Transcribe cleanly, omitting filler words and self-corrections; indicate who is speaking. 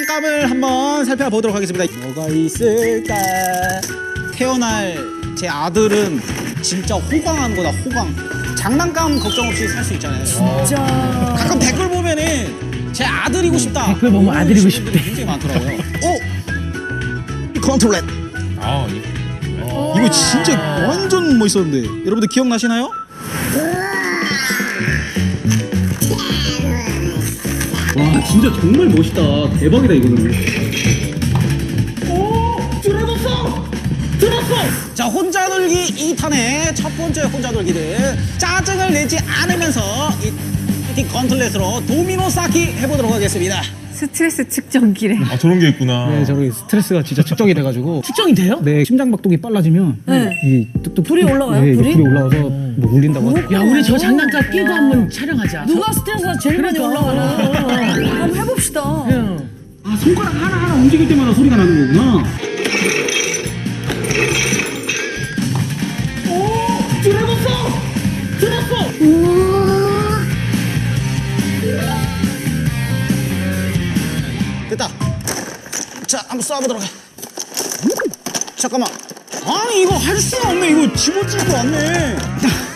Speaker 1: 장난감을 한번 살펴보도록 하겠습니다. 뭐가 있을까? 태어날 제 아들은 진짜 호강하는 거다, 호강. 장난감 걱정 없이 살 수 있잖아요.
Speaker 2: 진짜.
Speaker 1: 가끔 댓글 보면은 제 아들이고 싶다.
Speaker 3: 댓글 보면 아들이고 싶대.
Speaker 1: 굉장히 많더라고요. 이 컨트롤렛. 이거 진짜 완전 멋있었는데 여러분들 기억나시나요? 와 진짜 정말 멋있다. 대박이다 이거는. 오! 들어봤어! 들었어! 자 혼자 놀기 2탄의 첫 번째 혼자 놀기를 짜증을 내지 않으면서 이 건틀렛으로 도미노 쌓기 해보도록 하겠습니다.
Speaker 2: 스트레스 측정기래.
Speaker 4: 아 저런 게 있구나.
Speaker 5: 네, 저기 스트레스가 진짜 측정이 돼가지고
Speaker 3: 측정이 돼요?
Speaker 5: 네, 심장박동이 빨라지면
Speaker 2: 네.
Speaker 5: 이 뚝뚝
Speaker 2: 불이 올라가요?
Speaker 5: 네,
Speaker 2: 불이?
Speaker 5: 불이 올라와서 뭐 울린다고 하더라고요.
Speaker 3: 야, 우리 저 장난감 끼고 한번 촬영하자.
Speaker 2: 누가 스트레스가 제일 많이 올라가나? 한번 해봅시다.
Speaker 1: 아 손가락 하나하나 움직일 때마다 소리가 나는 거구나. 오! 들어봤어! 들었어! 됐다. 자, 한번 쏴보도록 해. 잠깐만. 아니 이거 할 수가 없네. 이거 집어지지도 않네.